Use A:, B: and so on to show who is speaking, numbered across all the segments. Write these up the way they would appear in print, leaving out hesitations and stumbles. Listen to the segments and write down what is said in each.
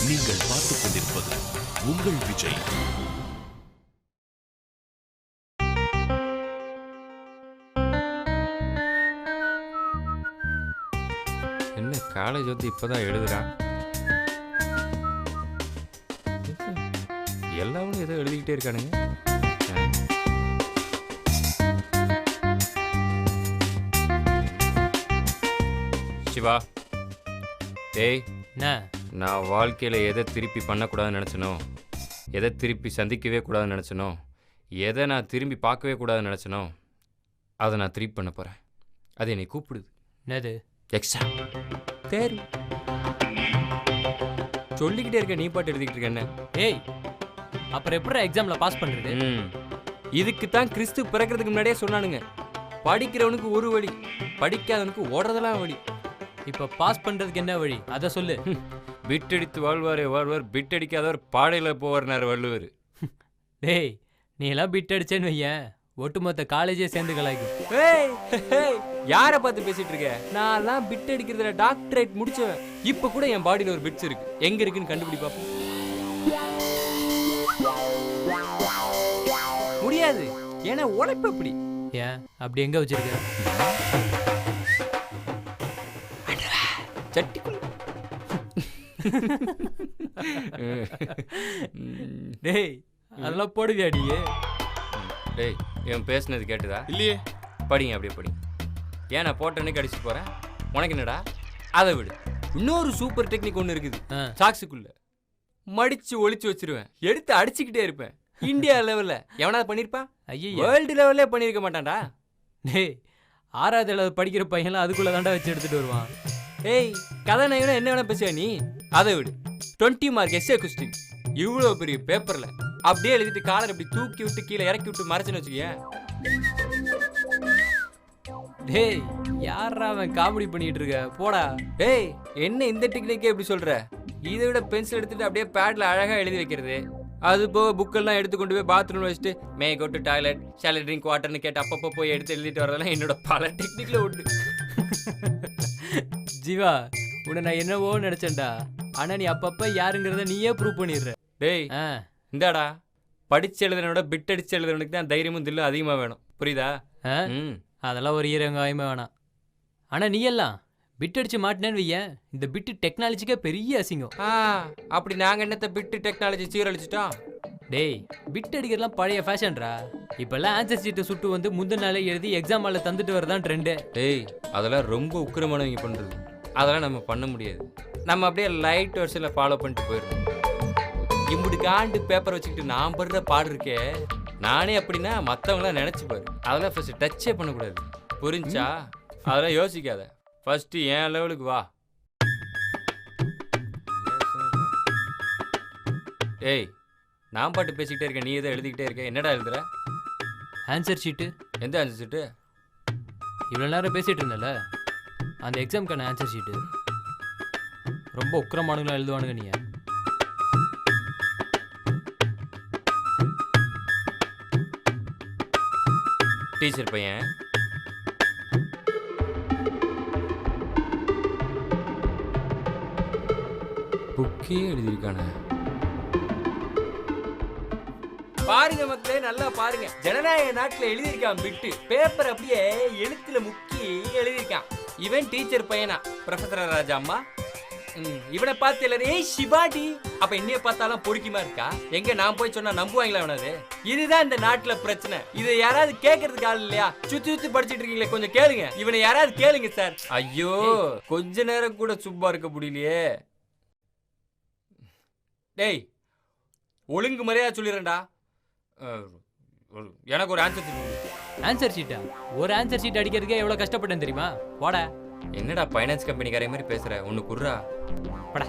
A: நீங்கள் பார்த்துக் கொண்டிருப்பது உங்கள் விஜய்.
B: என்ன காலேஜ் வந்து இப்போதான் எழுதுறான். எல்லாரும் ஏதோ எழுதிக்கிட்டே இருக்கானுங்க. சிவா, டேய்,
C: என்ன
B: நான் வாழ்க்கையில் எதை திருப்பி பண்ணக்கூடாதுன்னு நினச்சனோ, எதை திருப்பி சந்திக்கவே கூடாதுன்னு நினச்சனோ, எதை நான் திரும்பி பார்க்கவே கூடாதுன்னு நினச்சனோ, அதை நான் திருப்பி பண்ண போகிறேன். அது என்னை கூப்பிடுது.
C: என்னது?
B: எக்ஸாம், தேர்வு. சொல்லிக்கிட்டே இருக்க, நீ பாட்டு எழுதிக்கிட்டு இருக்க. என்ன?
C: ஏய், அப்புறம் எப்படி எக்ஸாமில் பாஸ் பண்ணுறது?
B: இதுக்கு தான் கிறிஸ்து பிறக்கிறதுக்கு முன்னாடியே சொன்னானுங்க, படிக்கிறவனுக்கு ஒரு வழி, படிக்காதவனுக்கு ஓடுறதெல்லாம் வழி.
C: இப்போ பாஸ் பண்ணுறதுக்கு என்ன வழி அதை சொல்லு.
B: பிட்டடித்து வாழ்வாரே வாழ்வார், பிட்டடிக்காதவர் பாடையில் போவார்னார் வள்ளுவர்.
C: டேய், நீ எல்லாம் பிட் அடிச்சேன்னு வையன், ஒட்டுமொத்த காலேஜே சேர்ந்து கலாய்க்கும்.
B: யாரை பார்த்து பேசிட்டு இருக்க? நான் பிட் அடிக்கிறதுல டாக்டரேட் முடிச்சவன். இப்போ கூட என் பாடியில் ஒரு பிட்ஸ் இருக்கு, எங்க இருக்குன்னு கண்டுபிடி பார்ப்போம். முடியாது, ஏன்னா உழைப்பு அப்படி.
C: ஏன் அப்படி எங்க வச்சிருக்க?
B: சட்டிக்குள்ள.
C: டேய், அதெல்லாம் போடுவியாடியே.
B: டேய், இவன் பேசுனது கேட்டுதா?
D: இல்லையே.
B: படிங்க, அப்படியே படிங்க. ஏன் நான் போட்டோன்னே கடிச்சு போறேன்? உனக்கு என்னடா? அதை விடு. இன்னொரு சூப்பர் டெக்னிக் ஒன்று இருக்குது. சாக்ஸுக்குள்ள மடிச்சு ஒளிச்சு வச்சிருவேன், எடுத்து அடிச்சுக்கிட்டே இருப்பேன். இந்தியா லெவல்ல எவனாவது பண்ணிருப்பான்?
C: ஐயோ,
B: வேர்ல்டு லெவல்ல பண்ணிருக்க மாட்டான்டா.
C: டேய், 6வது அளவு படிக்கிற பையன்லாம் அதுக்குள்ள தாண்டா வச்சு எடுத்துட்டு வருவான்.
B: ஏய், கதை நயனா என்ன வேணா பேசுவ நீ? அதை விடு. 20 மார்க் எஸ்ஏ கொஸ்டின், இவ்வளோ பெரிய பேப்பர்ல அப்படியே எழுதிட்டு காலர் இப்படி தூக்கி விட்டு கீழே இறக்கி விட்டு மறைச்சுன்னு வச்சுக்கேன்.
C: டேய், யாரா அவன் காமெடி பண்ணிட்டு இருக்க? போடா.
B: டேய், என்ன இந்த டெக்னிக்கே எப்படி சொல்ற? இதை விட பென்சில் எடுத்துட்டு அப்படியே பேட்ல அழகா எழுதி வைக்கிறது. அது போக புக்கெல்லாம் எடுத்து கொண்டு போய் பாத்ரூம்ல வச்சுட்டு may go to toilet, shall I drink வாட்டர்னு கேட்டு அப்பப்போ போய் எடுத்து எழுதிட்டு வரதெல்லாம் என்னோட பல டெக்னிக்ல உண்டு.
C: ஜீவா, உன்னை நான் என்னவோ நினைச்சேன்டா. ஆனா நீ அப்பப்ப யாருங்கிறத நீயே ப்ரூவ் பண்ணிடுற.
B: டேய், இந்தாடா, படிச்சு எழுதுனோட பிட் அடிச்சு எழுதுறவனுக்கு தான் தைரியமும் தில்லும் அதிகமா வேணும், புரியுதா?
C: அதெல்லாம் ஒரு ஈரங்காயமே வேணாம். ஆனா நீ எல்லாம் பிட் அடிச்சு மாட்டினேன்னு வையன், இந்த பிட்டு டெக்னாலஜிக்கே பெரிய அசிங்கம்.
B: அப்படி நாங்க என்னத்த பிட்டு டெக்னாலஜி சீரழிச்சிட்டோம்?
C: டேய், பிட் அடிக்கிறதுலாம் பழைய ஃபேஷன்ரா. இப்பெல்லாம் ஆன்சர் ஷீட்டை சுட்டு வந்து முந்தின நாளே எழுதி எக்ஸாம் ஹாலில் தந்துட்டு வரதான் ட்ரெண்டு.
B: டேய், அதெல்லாம் ரொம்ப உக்கிரமானவங்க பண்றது. அதெல்லாம் நம்ம பண்ண முடியாது. நம்ம அப்படியே லைட் வருஷத்தில் ஃபாலோ பண்ணிட்டு போயிடணும். இப்படி காண்டு பேப்பர் வச்சுக்கிட்டு நான் படுற பாடு இருக்கே, நானே அப்படின்னா மற்றவங்களாம் நினச்சி பாரு. அதெல்லாம் ஃபர்ஸ்ட் டச்சே பண்ணக்கூடாது, புரிஞ்சா? அதெல்லாம் யோசிக்காத, ஃபர்ஸ்ட் என் லெவலுக்கு வா. ஏய், நான் பாட்டு பேசிக்கிட்டே இருக்கேன், நீ எதை எழுதிக்கிட்டே இருக்க? என்னடா எழுதுற?
C: Answer sheet.
B: எந்த ஆன்சர் ஷீட்டு?
C: இவ்வளோ நேரம் பேசிகிட்டு இருந்தல, அந்த எக்ஸாமுக்கான ஆன்சர் ஷீட்டு. ரொம்ப உக்கிரமானுங்களாம் எழுதுவானுங்க நீ.
B: டீச்சர் பையன் புக்கே எழுதியிருக்கானே. பாருங்க மக்களே, நல்லா பாருங்க. ஜனநாயக நாட்டுல எழுதியிருக்கான் பிட்டு. பேப்பர் அப்படியே எழுத்துல முக்கி எழுதியிருக்கான். இவன் டீச்சர் பையனா, ப்ரொஃபசர் ராஜா அம்மா. இவனை பார்த்து எல்லாரும் ஏய் சிவாடி, அப்ப என்னைய பார்த்தாலும் பொறுக்கிமா இருக்கா? எங்க நான் போய் சொன்னா நம்புவாங்களா? அவனது இதுதான் இந்த நாட்டுல பிரச்சனை. இதை யாராவது கேட்கறதுக்கு ஆள் இல்லையா? சுத்தி சுத்தி படிச்சுட்டு இருக்கீங்களே, கொஞ்சம் கேளுங்க. இவனை யாராவது கேளுங்க சார். ஐயோ, கொஞ்ச நேரம் கூட சும்மா இருக்க முடியலையே. டேய், ஒழுங்கு மரியாதை சொல்லிடுறேன்டா. எனக்கு ஒரு ஆன்சர் ஷீட்.
C: ஆன்சர் ஷீட்டா? ஒரு ஆன்சர் ஷீட் அடிக்கிறதுக்கே எவ்வளவு கஷ்டப்பட்டேன் தெரியுமா? போடா.
B: என்னடா ஃபைனான்ஸ் கம்பெனிக்காரே மாதிரி பேசுற? ஒன்னு குர்ரா.
C: படா.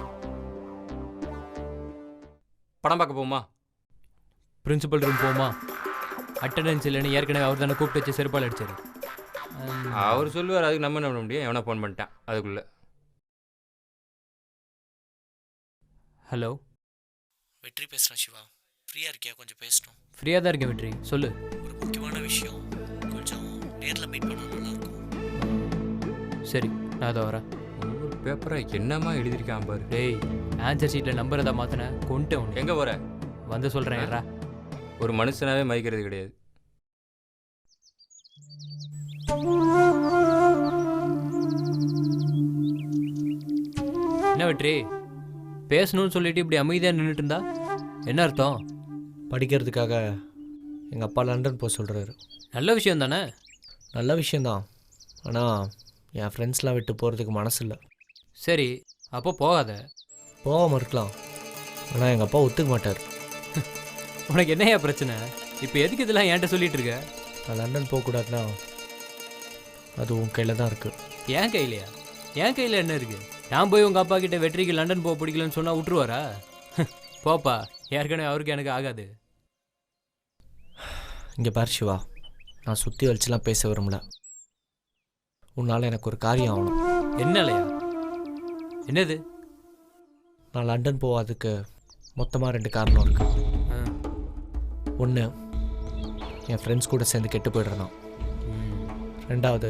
B: படம் பார்க்க போமா?
C: பிரின்சிபல் ரூம் போமா? அட்டெண்டன்ஸ் இல்லைன்னு ஏற்கனவே அவர் தானே கூப்பிட்டு வச்சு செருப்பால் அடிச்சாரு.
B: அவர் சொல்லுவார், அதுக்கு நம்ம என்ன பண்ண முடியும்? எவனா ஃபோன் பண்ணிட்டான் அதுக்குள்ள.
C: ஹலோ,
E: வெற்றி பேசுகிறேன் சிவா. ஃப்ரீயாக இருக்கியா? கொஞ்சம் பேசணும்.
C: ஃப்ரீயாக தான் இருக்கேன் வெற்றி, சொல்லு.
E: ஒரு முக்கியமான விஷயம், கொஞ்சம் நேரில் மீட் பண்ண நல்லாயிருக்கும்.
C: சரி, நான் அதை வரேன்.
B: பேப்பரை என்னமா எழுதியிருக்கான் பாரு.
C: டேய் ஆன்சர் ஷீட்டில் நம்பர் தான் மாற்றினேன் கொண்டுட்டேன் உன்னை.
B: எங்கே போகிற?
C: வந்து சொல்கிறேன்.
B: ஒரு மனுஷனாவே மதிக்கிறது கிடையாது.
C: என்ன வெற்றி பேசணும்னு சொல்லிட்டு இப்படி அமைதியாக நின்றுட்டு இருந்தா என்ன அர்த்தம்?
D: படிக்கிறதுக்காக எங்கள் அப்பா லண்டன் போக சொல்கிறாரு.
C: நல்ல விஷயம் தானே?
D: நல்ல விஷயந்தான், ஆனால் என் ஃப்ரெண்ட்ஸ்லாம் விட்டு போகிறதுக்கு மனசு இல்லை.
C: சரி அப்போ போகாத.
D: போகாமல் இருக்கலாம், ஆனால் எங்கள் அப்பா ஒத்துக்க மாட்டார்.
C: உனக்கு என்னையா பிரச்சனை? இப்போ எதுக்கு இதெல்லாம் என்கிட்ட சொல்லிட்டு இருக்க?
D: நான் லண்டன் போகக்கூடாதுன்னா அது உன் கையில் தான் இருக்குது.
C: என் கையிலையா? என் கையில் என்ன இருக்குது? நான் போய் உங்கள் அப்பா கிட்ட வெற்றிக்கு லண்டன் போக பிடிக்கலன்னு சொன்னால் விட்டுருவாரா? போப்பா, ஏற்கனவே அவருக்கு எனக்கு ஆகாது.
D: இங்கே பார் சிவா, நான் சுற்றி வலிச்சுலாம் பேச விரும்பல. உன்னால் எனக்கு ஒரு காரியம் ஆகணும்.
C: என்னலையா? என்னது?
D: நான் லண்டன் போகாதுக்கு மொத்தமாக 2 காரணம் இருக்குது. ஒன்று, என் ஃப்ரெண்ட்ஸ் கூட சேர்ந்து கெட்டு போய்டுறேன். 2வது,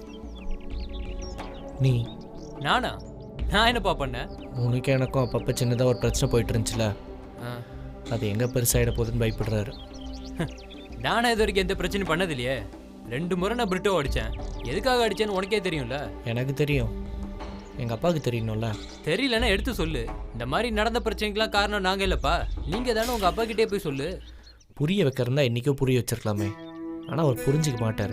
D: நீ.
C: நானா? நான் என்னப்பா பண்ணேன்?
D: உனக்கு எனக்கும் அப்பப்போ சின்னதாக ஒரு பிரச்சனை போயிட்டு இருந்துச்சுல, அது எங்கே பெருசாகிட போகுதுன்னு பயப்படுறாரு.
C: நானே இது வரைக்கும் எந்த பிரச்சனையும் பண்ணது இல்லையே. 2 முறை நான் பிரிட்டோ அடித்தேன். எதுக்காக அடித்தேன்னு உனக்கே தெரியும்ல?
D: எனக்கு தெரியும், எங்கள் அப்பாவுக்கு தெரியணும்ல.
C: தெரியலன்னா எடுத்து சொல்லு. இந்த மாதிரி நடந்த பிரச்சனைக்கெலாம் காரணம் நாங்கள் இல்லைப்பா, நீங்கள் தானே உங்கள் அப்பா கிட்டே போய் சொல்லு.
D: புரிய வைக்கிறதா இன்றைக்கும் புரிய வச்சிருக்கலாமே, ஆனால் அவர் புரிஞ்சிக்க மாட்டார்.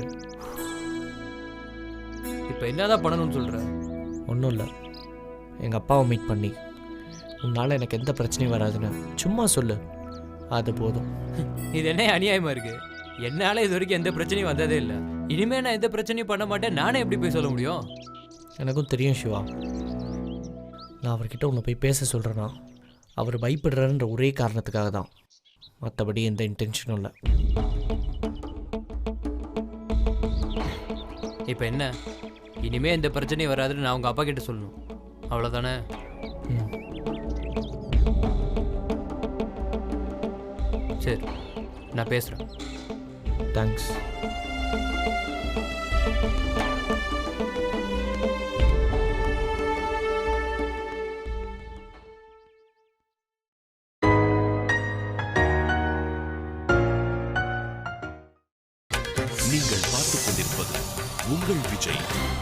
C: இப்போ என்னதான் பண்ணணும்னு சொல்கிற?
D: ஒன்றும் இல்லை, எங்கள் அப்பாவை மீட் பண்ணி உன்னால் எனக்கு எந்த பிரச்சனையும் வராதுன்னு சும்மா சொல்லு, அது போதும்.
C: இது என்ன அநியாயமாக இருக்குது? என்னால் இது வரைக்கும் எந்த பிரச்சனையும் வந்ததே இல்லை. இனிமேல் நான் எந்த பிரச்சனையும் பண்ண மாட்டேன். நானே எப்படி போய் சொல்ல முடியும்?
D: எனக்கும் தெரியும் சிவா, நான் அவர்கிட்ட உன்னை போய் பேச சொல்கிறேன்னா அவர் பயப்படுறாருன்ற ஒரே காரணத்துக்காக தான், மற்றபடி எந்த இன்டென்ஷனும் இல்லை.
C: இப்போ என்ன? இனிமே எந்த பிரச்சனையும் வராதுன்னு நான் உங்கள் அப்பா கிட்ட சொல்லணும், அவ்வளோதானே? சரி, நான் பேசுகிறேன்.
D: தேங்க்ஸ்.
A: நீங்கள் பார்த்துக் கொண்டிருப்பது உங்கள் Vijay.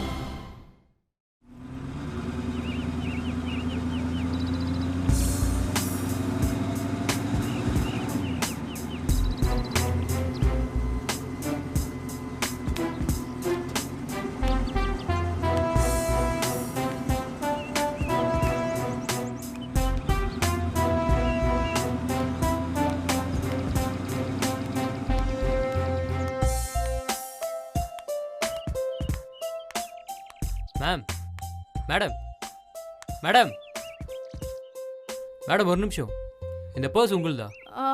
C: Ma'am, madam, madam, madam ஒரு நிமிஷம். இந்த பர்ஸ் உங்களுதா?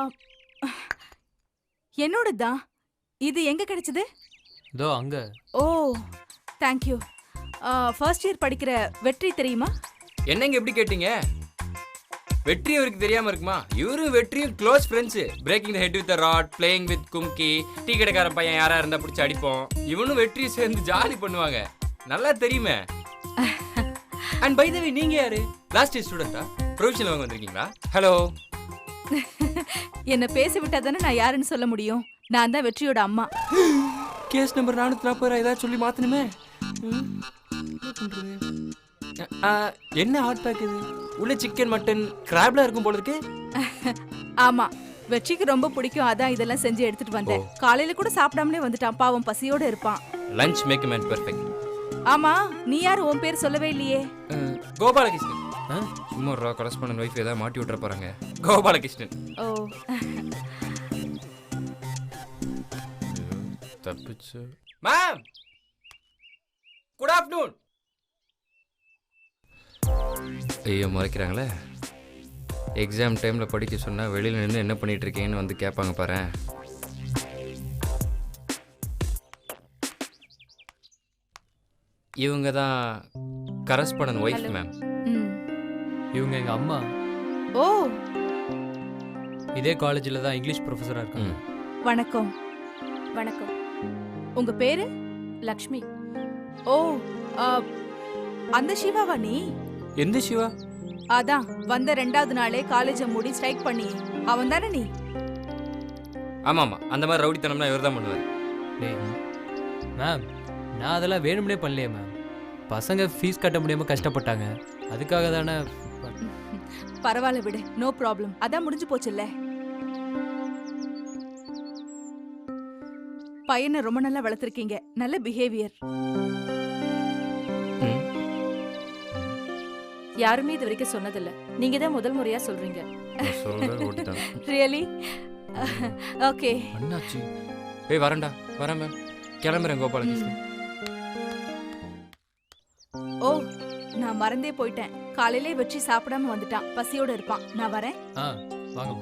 F: என்னோடதான். இது எங்க கிடைச்சது?
C: இதோ அங்க.
F: ஓ தேங்க்யூ. ஃபர்ஸ்ட் இயர் படிக்கிற வெற்றி தெரியுமா?
B: என்னங்க எப்படி கேட்டீங்க? வெற்றி அவருக்கு தெரியாம இருக்குமா? இவரு வெற்றியும் close friends. Breaking the head with rod, playing with Kumki, tea கடைக்காரன் பையன் யாரா இருந்தா பிடிச்சி அடிப்போம். இவனும் வெற்றியும் சேர்ந்து ஜாலி பண்ணுவாங்க. நல்லா தெரியுமே. அண்ட் பை தி வே, நீங்க யாரு? Last year ஸ்டூடெண்டா? ப்ரொவிஷனல் வாங்க வந்திருக்கீங்களா? ஹலோ.
F: என்ன பேச விட்டா தானே நான் யாருன்னு சொல்ல முடியும். நான் தான் வெற்றியோட அம்மா.
B: கேஸ் நம்பர் 440 ஏதாவது சொல்லி மாத்தணுமே. என்ன ஹாட் பேக் இது? உள்ள சிக்கன், மட்டன், கிராப்லாம் இருக்கும் போல இருக்கு.
F: ஆமா, வெற்றிக்கு ரொம்ப பிடிக்கும், அதான் இதெல்லாம் செஞ்சு எடுத்துட்டு வந்தேன். காலையில கூட சாப்பிடாமலே வந்துட்டான், பாவம் பசியோட இருப்பான்.
B: Lunch make man perfect.
F: ஆமா, நீ யாரு? உன் பேர் சொல்லவே இல்லையே.
B: கோபாலகிருஷ்ணன். சும்மா ரா கரஸ்பாண்டன்ட் வைஃப் ஏதாவது மாட்டி விட்டுற போறாங்க. கோபாலகிருஷ்ணன்.
F: ஓ
B: தப்பிச்சு. Ma'am, good afternoon. ஐயோ மறைக்கிறாங்களே. எக்ஸாம் டைமில் படிக்க சொன்னால் வெளியில் நின்று என்ன பண்ணிட்டு இருக்கீங்கன்னு வந்து கேட்பாங்க பாரு. இவங்க தான் கரஸ்பாண்டன்ட் ஒய்ஃப் மேம்.
C: இவங்க எங்கள் அம்மா.
F: ஓ,
C: இதே காலேஜில் தான் இங்கிலீஷ் ப்ரொஃபஸராக இருக்காங்க.
F: வணக்கம்.
G: வணக்கம்.
F: உங்க பேரு?
G: லக்ஷ்மி.
F: ஓ, அந்த சிவாவா நீ?
B: எந்த சிவா?
F: அதான் வந்த 2வது நாளே காலேஜை மூடி ஸ்ட்ரைக் பண்ணி அவன் தானே நீ?
B: ஆமாம், அந்த மாதிரி ரவுடித்தனம்னா இவர் தான் பண்ணுவார்.
C: டேய் மேம், நான் அதெல்லாம் வேணும்னே பண்ணலையே மேம். பசங்க ஃபீஸ் கட்ட முடியாமல் கஷ்டப்பட்டாங்க, அதுக்காக தானே.
F: பரவாயில்ல விடு, நோ ப்ராப்ளம். அதான் முடிஞ்சு போச்சுல்ல. பையனை ரொம்ப நல்லா வளர்த்துருக்கீங்க, நல்ல பிஹேவியர்.
G: யாருமே இது வரைக்கும் சொன்னதில்ல, நீங்க தான் முதல் முறையா சொல்றீங்க.
F: ரியலி? ஓகே.
B: அண்ணாச்சி ஏய் வரேன்டா, வரேன் மேம், கிளம்புறேன் கோபாலகிருஷ்ணன்.
F: ஓ, நான் மறந்தே போயிட்டேன். காலையிலே வெற்றி சாப்பிடாம வந்துட்டான், பசியோட இருப்பான். நான் வரேன்.
C: ஆ வாங்க.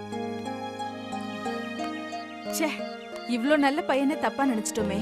F: ச்சே, இவ்ளோ நல்ல பையனை தப்பா நினைச்சிட்டோமே.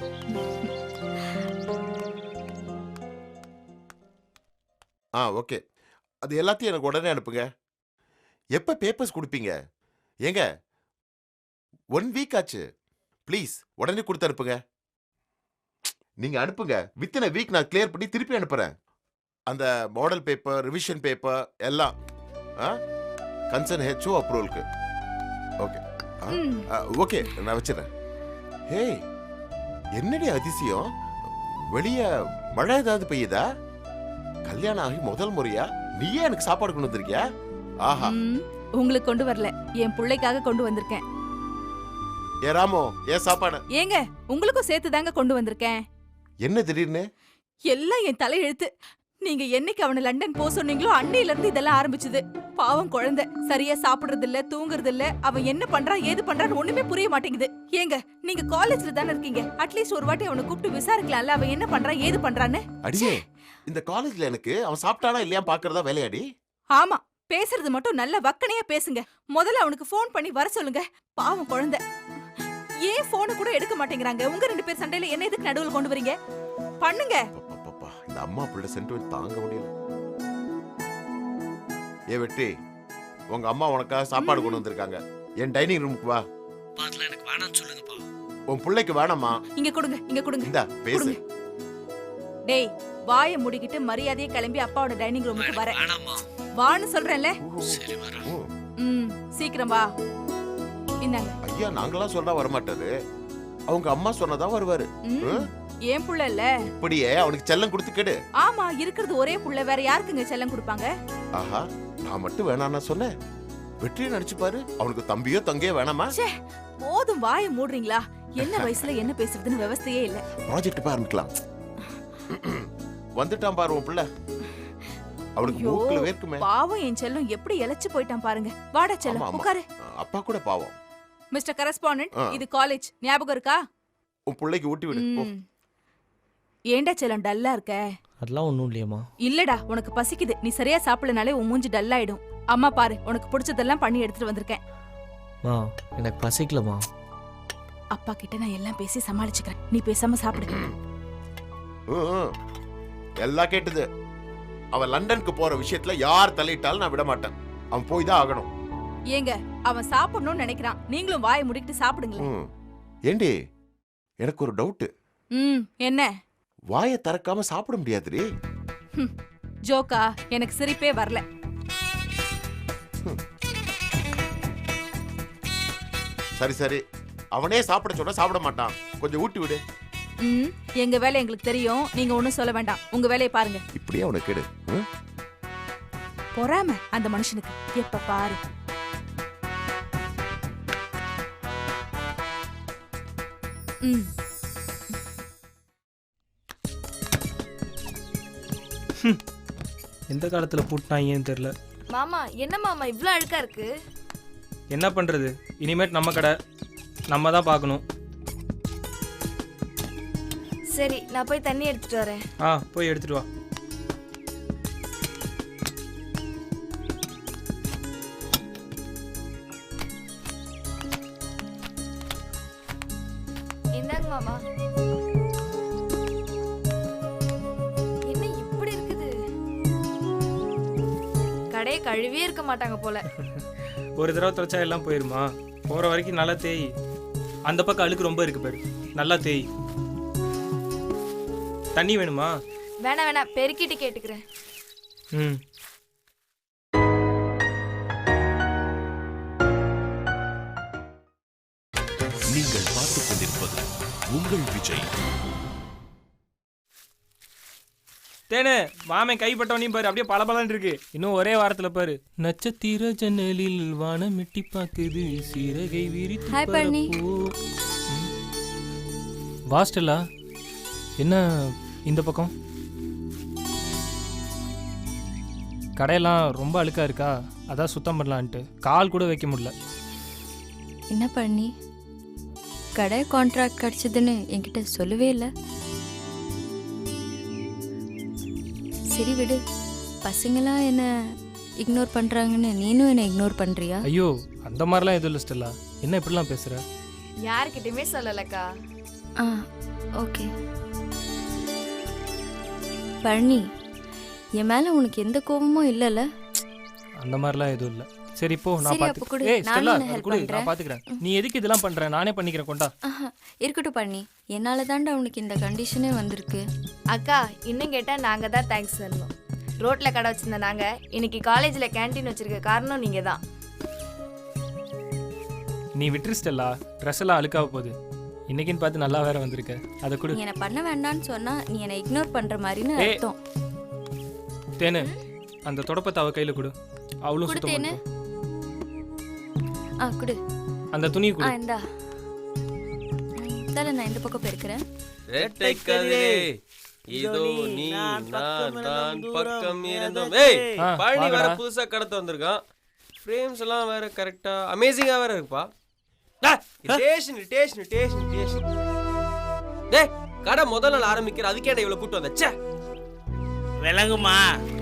H: ஓகே, அது எல்லாத்தையும் எனக்கு உடனே அனுப்புங்க. எப்போ பேப்பர்ஸ் கொடுப்பீங்க? ஏங்க 1 வீக் ஆச்சு, ப்ளீஸ் உடனே கொடுத்து அனுப்புங்க. நீங்க அனுப்புங்க, வித்தின் a வீக் நான் கிளியர் பண்ணி திருப்பி அனுப்புறேன். அந்த மாடல் பேப்பர், ரிவிஷன் பேப்பர் எல்லாம் கன்சர்ன் ஹெச்ஓ அப்ரூவலுக்கு. ஓகே ஓகே, நான் வச்சிடறேன். ஹே, என்னடி அதிசயம், வெளியே மழை ஏதாவது பெய்யுதா? கல்யாணம் ஆகி முதல் முறையா நீயே எனக்கு சாப்பாடு கொண்டு வந்திருக்கியா? ஆஹா.
F: உங்களுக்கு கொண்டு வரல, என் பிள்ளைக்காக கொண்டு வந்திருக்கேன்.
H: ஏ ராமோ, ஏன் சாப்பாடு?
F: ஏங்க, உங்களுக்கும் சேர்த்து தாங்க கொண்டு வந்திருக்கேன்.
H: என்ன திடீர்னு?
F: எல்லாம் என் தலை எழுத்து. நீங்க என்னைக்கு அவனை லண்டன் போக சொன்னீங்களோ அன்னையில இருந்து இதெல்லாம் ஆரம்பிச்சது. பாவம் குழந்தை, சரியா சாப்பிடுறது இல்ல, தூங்குறது இல்ல. அவன் என்ன பண்றான் ஏது பண்றான்னு ஒண்ணுமே புரிய மாட்டேங்குது. ஏங்க, நீங்க காலேஜ்ல தானே இருக்கீங்க, அட்லீஸ்ட் ஒரு வாட்டி அவனை கூப்பிட்டு விசாரிக்கலாம்ல, அவன் என்ன பண்றான் ஏது பண்றான்னு.
H: அடியே, இந்த காலேஜ்ல எனக்கு அவன் சாப்பிட்டானா இல்லையா பாக்குறதா வேலையாடி?
F: ஆமா, பேசுறது மட்டும் நல்ல வக்கனையா பேசுங்க. முதல்ல அவனுக்கு ஃபோன் பண்ணி வர சொல்லுங்க. பாவம் குழந்தை, ஏன் போனை கூட எடுக்க மாட்டேங்கிறாங்க? உங்க 2 பேர் சண்டையில என்ன எதுக்கு நடுவுல கொண்டு வரீங்க? பண்ணுங்க.
H: இந்த அம்மா பிள்ளை சென்டிமெண்ட் தாங்க முடியல. ஏ வெற்றி, உங்க அம்மா உனக்காக சாப்பாடு கொண்டு வந்திருக்காங்க. என் டைனிங் ரூமுக்கு வா.
E: அதெல்லாம் எனக்கு வேணாம்னு சொல்லுங்கப்பா.
H: உன் பிள்ளைக்கு வேணாமா?
F: இங்க கொடுங்க, இங்க கொடுங்க.
H: இந்தா பேசு.
F: டேய், வாயை மூடிக்கிட்டு மரியாதையை கிளம்பி அப்பாவோட டைனிங் ரூமுக்கு வர.
E: வேணாமா?
F: வான்னு சொல்றேன்ல.
E: சரி வரேன்.
F: சீக்கிரம் வா. இந்தாங்க.
H: ஐயா, நாங்களாம் சொன்னா வரமாட்டாரு, அவங்க அம்மா சொன்னதா வருவாரு.
F: ஏன் புள்ள இல்ல?
H: இப்படியே அவனுக்கு செல்லம் கொடுத்து கேடு.
F: ஆமா, இருக்கிறது ஒரே புள்ள, வேற யாருக்குங்க செல்லம் கொடுப்பாங்க?
H: ஆஹா, நான் மட்டும் வேணாம்னா சொன்னேன். வெற்றியை நடிச்சு பாரு, அவனுக்கு தம்பியோ தங்கையோ வேணாமா?
F: போதும், வாயை மூடுறீங்களா? என்ன வயசுல என்ன பேசுறதுன்னு விவசாயே இல்ல.
H: ப்ராஜெக்ட் ஆரம்பிக்கலாம். வந்துட்டான் பாரு உன் பிள்ளை, அவனுக்கு மூக்குல வேர்க்குமே.
F: பாவம், என் செல்லம் எப்படி இழைச்சு போயிட்டான் பாருங்க. வாடா செல்லம், உட்காரு.
H: அப்பா கூட பாவம்.
F: மிஸ்டர் கரஸ்பாண்டன்ட், இது காலேஜ், ஞாபகம் இருக்கா?
H: உன் பிள்ளைக்கு ஊட்டி விடு.
F: ஏண்டா செல்லம் டல்லா இருக்க?
D: அதெல்லாம் ஒன்றும் இல்லையம்மா.
F: இல்லடா, உனக்கு பசிக்குது. நீ சரியா சாப்பிடலனாலே உன் மூஞ்சி டல் ஆயிடும். அம்மா பாரு, உனக்கு பிடிச்சதெல்லாம் பண்ணி எடுத்துட்டு வந்திருக்கேன்.
D: எனக்கு பசிக்கலமா.
F: அப்பா கிட்ட நான் எல்லாம் பேசி சமாளிச்சுக்கிறேன், நீ பேசாம சாப்பிடு.
H: எல்லாம் கேட்டது. அவன் லண்டனுக்கு போற விஷயத்துல யார் தலையிட்டாலும் நான் விட மாட்டேன். அவன் போய் தான் ஆகணும்.
F: ஏங்க, அவன் சாப்பிடணும்னு நினைக்கிறான், நீங்களும் வாயை முடிக்கிட்டு சாப்பிடுங்களேன்.
H: ஏண்டி, எனக்கு ஒரு டவுட்.
F: என்ன?
H: வாயை திறக்காம சாப்பிட முடியாதுடி.
F: ஜோக்கா? எனக்கு சிரிப்பே வரல.
H: சரி சரி, அவனே சாப்பிட சொன்னா சாப்பிட மாட்டான், கொஞ்சம் ஊட்டி விடு.
F: எங்க வேலை எங்களுக்கு தெரியும், நீங்க ஒண்ணும் சொல்ல வேண்டாம், உங்க வேலையை பாருங்க.
H: இப்படியே அவனை கேடு.
F: பொறாம அந்த மனுஷனுக்கு எப்ப பாரு.
I: எந்த காலத்தில் பூட்டினாங்கன்னு தெரில.
G: மாமா, என்ன மாமா இவ்வளோ அழுக்கா இருக்கு?
I: என்ன பண்ணுறது, இனிமேட் நம்ம கடை நம்ம தான் பார்க்கணும்.
G: சரி, நான் போய் தண்ணி எடுத்துட்டு வரேன்.
I: போய் எடுத்துட்டு வா.
G: இந்தாங்க மாமா. என்ன இப்படி இருக்குது? கடையை கழுவியே இருக்க மாட்டாங்க போல.
I: ஒரு தடவை துவைச்சா எல்லாம் போயிருமா? போகிற வரைக்கும் நல்லா தேய். அந்த பக்கம் அழுக்கு ரொம்ப இருக்கு பாரு, நல்லா தேய். தண்ணி வேணுமா?
G: வேணாம் வேணாம், பெருக்கிட்டு கேட்டுக்கிறேன்.
I: ம்
A: நீங்கள் பார்த்துக் கொண்டிருப்பது உங்கள் விஜய்.
I: தேனே மாமன் கைப்பட்டவனையும் பாரு அப்படியே பளபளன்னு இருக்கு. இன்னும் ஒரே வாரத்துல பாரு. நட்சத்திர ஜன்னலில் வானம் எட்டி பாக்குது சீரகை விரித்து
G: ஹாய் பழனி.
I: வாஸ்டலா என்ன இந்த பக்கம் கடையெல்லாம் ரொம்ப அழுக்கா இருக்கா, அதான் சுத்தம் பண்ணலான்ட்டு கால் கூட வைக்க முடியல.
G: என்ன பண்ணி கடை கான்ட்ராக்ட் கிடைச்சதுன்னு என்கிட்ட சொல்லவே இல்லை. சரி விடு, பசங்களாம் என்ன இக்னோர் பண்றாங்கன்னு நீனும் என்ன இக்னோர் பண்றியா?
I: ஐயோ அந்த மாதிரிலாம் எதுவும் இல்லை ஸ்டெல்லா, என்ன இப்படிலாம் பேசுற?
J: யார்கிட்டயுமே சொல்லலக்கா.
G: ஆ ஓகே. பழனி, என் மேல உனக்கு எந்த கோபமும் இல்லைல்ல?
I: அந்த மாதிரிலாம் எதுவும் இல்லை. சரி இப்போ நான்
G: சரி, அப்ப கொடு.
I: ஏய் ஸ்டெல்லா
G: நானும் help
I: கொடு,
G: பண்றேன்.
I: நான் பாத்துக்கிறேன். நீ எதுக்கு இதெல்லாம் பண்ற? நானே பண்ணிக்கிறேன், கொண்டா.
G: ஆஹா, இருக்கட்டும் பழனி, என்னால தாண்டா உனக்கு இந்த கண்டிஷனே வந்திருக்கு.
J: அக்கா இன்னும் கேட்டா நாங்க தான் தேங்க்ஸ் சொல்லணும். ரோட்ல கடை வச்சிருந்த நாங்க இன்னைக்கு காலேஜ்ல கேண்டீன் வச்சிருக்க காரணம் நீங்க தான்.
I: நீ விட்டுரு ஸ்டெல்லா, ட்ரெஸ் எல்லாம் அழுக்காக போகுது. இன்னைக்குன்னு பார்த்து நல்லா வேற வந்திருக்க, அதை கொடு.
G: நீ என்ன பண்ண வேண்டாம்னு சொன்னா நீ என்ன இக்னோர் பண்ற மாதிரின்னு
I: ஏய்.
G: அர்த்தம்.
I: தேனு அந்த தொடப்பத்தை அவ கையில கொடு, அவளும் சுத்தம்
G: கொடுத்தேனு.
I: பண்ணட்டும்.
G: ஆ குடு.
I: அந்த துணியை
G: ஆ
I: கொடு.
G: இந்தா. தல நான் இந்த பக்கம் போயிருக்கிறேன்.
K: ரெட்டை கதிரே இதோ நீ நான் தான் பக்கம் இருந்தோம். ஏய்
I: ஆ,
K: பழனி வேற
I: வாங்கடா.
K: புதுசா கடத்த வந்திருக்கான். ஃப்ரேம்ஸ் எல்லாம் வேற கரெக்டா அமேசிங்கா வேற இருக்குப்பா. டேஷன் டேஷன் டேஷன் டேஷன். டேய் கடை முதல் நாள் ஆரம்பிக்கிற, அதுக்கேடா இவ்வளவு கூட்டு வந்த? ச்சே
E: விளங்குமா?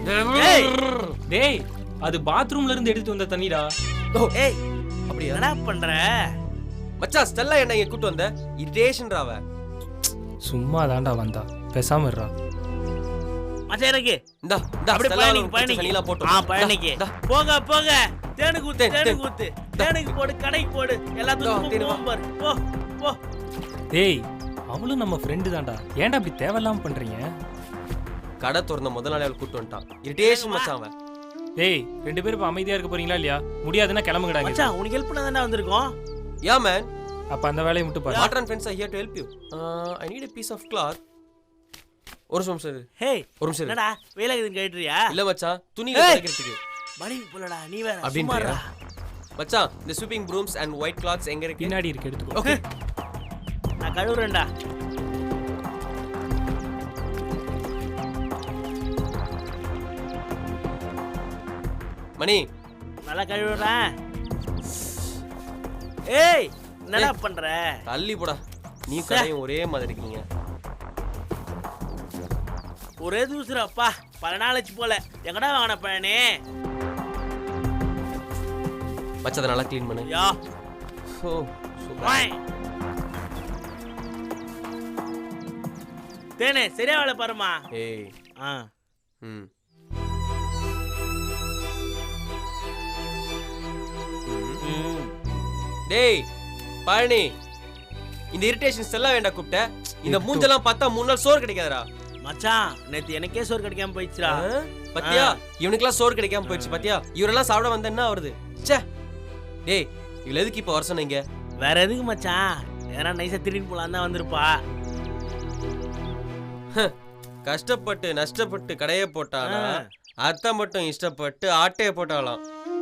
I: டேய் அது பாத்ரூம்ல இருந்து எடுத்து வந்த தண்ணிடா.
E: ஏய்
K: அப்படியா
E: என்னடா பண்ற?
K: மச்சான் ஸ்டெல்லா என்ன இங்க கூட்டு வந்த? இரிட்டேஷன்றாவ.
I: சும்மா தாண்டா வந்தா, பேசாம இருடா.
E: மச்சான் எனக்கு
K: இந்தா இந்தா
E: அப்படி
K: ஸ்டெல்லா
E: பழனிக்கு
K: பழனிக்கு சனிலா போட்டு.
E: பழனிக்கு
K: இந்தா,
E: போக போக தேனுக்கு ஊத்து
K: தேன்,
E: தேனுக்கு ஊத்து தேனுக்கு போடு, கடைக்கு போடு, எல்லாத்துக்கும்
K: தேனு வா.
E: போவோம் பாரு. போ போ.
I: டேய் அவளும் நம்ம ஃப்ரெண்டு தான்டா, ஏன்டா அப்படி தேவையில்லாம பண்றீங்க?
K: கடை திறந்த முதல் நாள் அவள் கூட்டு வந்துட்டான். இரிட்டேஷன் மச்சான் அவன்.
I: டேய் ரெண்டு பேரும் இப்ப அமைதியா இருக்க போறீங்களா இல்லையா? முடியாதுன்னா கிளம்புங்கடாங்க.
E: மச்சான் உனக்கு ஹெல்ப் பண்ண தானே வந்திருக்கோம்.
K: Yeah man,
I: அப்ப அந்த வேலையை மட்டும் பாரு.
K: Water and friends are here to help you. I need a piece of cloth. ஒரு நிமிஷம் சார்.
E: ஹேய்
K: ஒரு நிமிஷம்.
E: என்னடா வேலைக்கு கேட்டுறியா?
K: இல்ல மச்சான், துணி
E: ஏய்.
K: துவைக்கிறதுக்கு.
E: மணிக்கு போலடா நீ வேற
K: அப்படின்றியா?
E: சும்மாடா.
K: மச்சான், the sweeping brooms and white cloths எங்க இருக்கு?
I: பின்னாடி இருக்கு, எடுத்துக்கோ.
K: Okay.
E: நான் கழுவுறேன்டா.
K: மணி,
E: நல்லா கழுவுறேன். ஏய் என்னடா பண்ற?
K: தள்ளி போடா. நீ கடையும் ஒரே மாதிரி இருக்கீங்க.
E: ஒரே தூசுறப்பா, பல நாளைச்சு போல. எங்கடா வாங்கின பழனி?
K: மச்சான் அதை நல்லா க்ளீன் பண்ணு.
E: Yeah
K: oh super.
E: வாய். தேனே சரியா வேலை பாருமா.
K: ஏய்
E: ஆ
K: ம்
E: ம்.
K: டேய் பழனி, இந்த இரிட்டேஷன்ஸ் எல்லாம் வேண்டாம் கூப்பிட்ட. இந்த மூஞ்செல்லாம் பார்த்தா 3 நாள் சோறு கிடைக்காதடா.
E: மச்சான் நேத்து எனக்கே சோறு கிடைக்காம போயிடுச்சுடா.
K: பத்தியா இவனுக்குலாம் சோறு கிடைக்காம போயிடுச்சு. பத்தியா இவரெல்லாம் சாப்பிட வந்தா என்ன வருது? ச்சே. டேய் இவள எதுக்கு இப்ப வர சொன்னீங்க?
E: வேற எதுக்கு மச்சான்? ஏன்னா நைஸா திருடிட்டு போலாம் தான் வந்திருப்பா.
K: கஷ்டப்பட்டு நஷ்டப்பட்டு கடையை போட்டானா, அத்தை மட்டும் இஷ்டப்பட்டு ஆட்டையை போட்டாலாம்.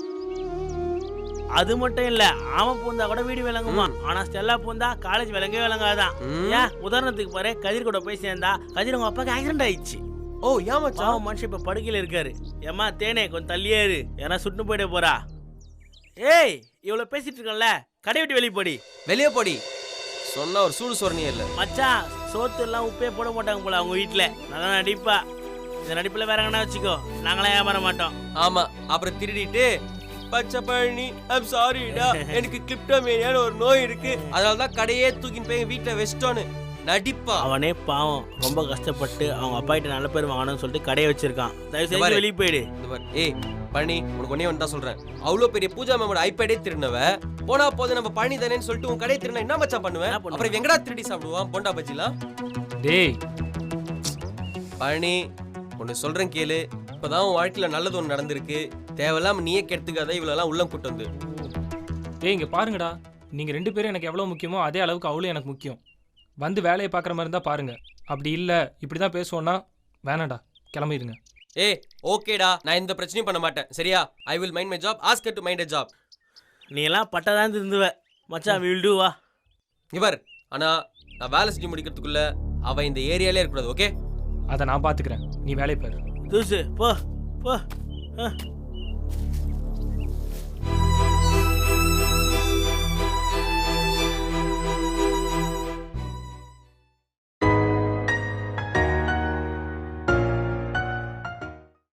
E: அது மட்டும் இல்ல, அவன் பூந்தா கூட வீடு விளங்குமா, ஆனா ஸ்டெல்லா பூந்தா காலேஜ் விளங்கவே விளங்காதான். ஏன் உதாரணத்துக்கு பாரு, கதிர் கூட போய் சேர்ந்தா கதிர் உங்க அப்பாக்கு ஆக்சிடென்ட் ஆயிடுச்சு.
K: ஓ ஏன் மச்சான்?
E: மனுஷன் இப்ப படுக்கையில இருக்காரு. ஏமா தேனே கொஞ்சம் தள்ளியே இரு, ஏன்னா சுட்டு போயிட போறா. ஏய் இவ்வளவு பேசிட்டு இருக்கல, கடை விட்டு வெளியே போடி.
K: வெளியே போடி சொன்னா ஒரு சூடு சொரணியே இல்ல.
E: மச்சான் சோத்து எல்லாம் உப்பே போட மாட்டாங்க போல அவங்க வீட்டுல. நல்லா நடிப்பா. இந்த நடிப்புல வேற எங்கன்னா வச்சுக்கோ, நாங்களாம் ஏமாற மாட்டோம்.
K: ஆமா அப்புறம் திருடிட்டு பச்சை பழனி ஐம் சாரிடா, எனக்கு கிளிப்டோமேனியான ஒரு நோய் இருக்கு, அதனாலதான் கடையே தூக்கின்னு போய் வீட்டுல வச்சிட்டோன்னு நடிப்பா.
E: அவனே பாவம் ரொம்ப கஷ்டப்பட்டு அவங்க அப்பா கிட்ட நல்ல பேர் வாங்கணும்னு சொல்லிட்டு கடையை வச்சிருக்கான். தயவு செஞ்சு வெளியே போயிடு.
K: ஏய் பழனி, உனக்கு ஒன்னே வந்து தான் சொல்றேன். அவ்வளோ பெரிய பூஜா மேமோட ஐபேடே திருடினவ போனா போது நம்ம பழனி தானேன்னு சொல்லிட்டு உன் கடையை திருடினா என்ன மச்சான் பண்ணுவேன்? அப்புறம் எங்கடா திருடி சாப்பிடுவான் போண்டா பஜ்ஜிலாம்?
I: டேய்
K: பழனி ஒன்னு சொல்றேன் கேளு, இப்பதான் உன் வாழ்க்கையில நல்லது ஒன்று நடந்திருக்கு. தேவையில்லாம நீயே கெடுத்துக்காத இவ்வளோலாம் உள்ளம் கூட்டு வந்து.
I: ஏய் இங்க பாருங்கடா, நீங்க 2 பேரும் எனக்கு எவ்வளவு முக்கியமோ அதே அளவுக்கு அவளும் எனக்கு முக்கியம். வந்து வேலையை பார்க்குற மாதிரி இருந்தா பாருங்க, அப்படி இல்லை இப்படி தான் பேசுவோன்னா வேணாடா, கிளம்பிடுங்க.
K: ஏய் ஓகேடா, நான் எந்த பிரச்சனையும் பண்ண மாட்டேன் சரியா? I will mind my job, ask her to mind a job.
E: நீ எல்லாம் பட்டதான் இருந்துவ மச்சான், வில் டூ வா.
K: இவர் ஆனா நான் வேலை செஞ்சு முடிக்கிறதுக்குள்ள அவ இந்த ஏரியாலே இருக்கக்கூடாது. ஓகே,
I: அதை நான் பார்த்துக்கிறேன், நீ வேலையை பாரு.
E: தூசு போ போ.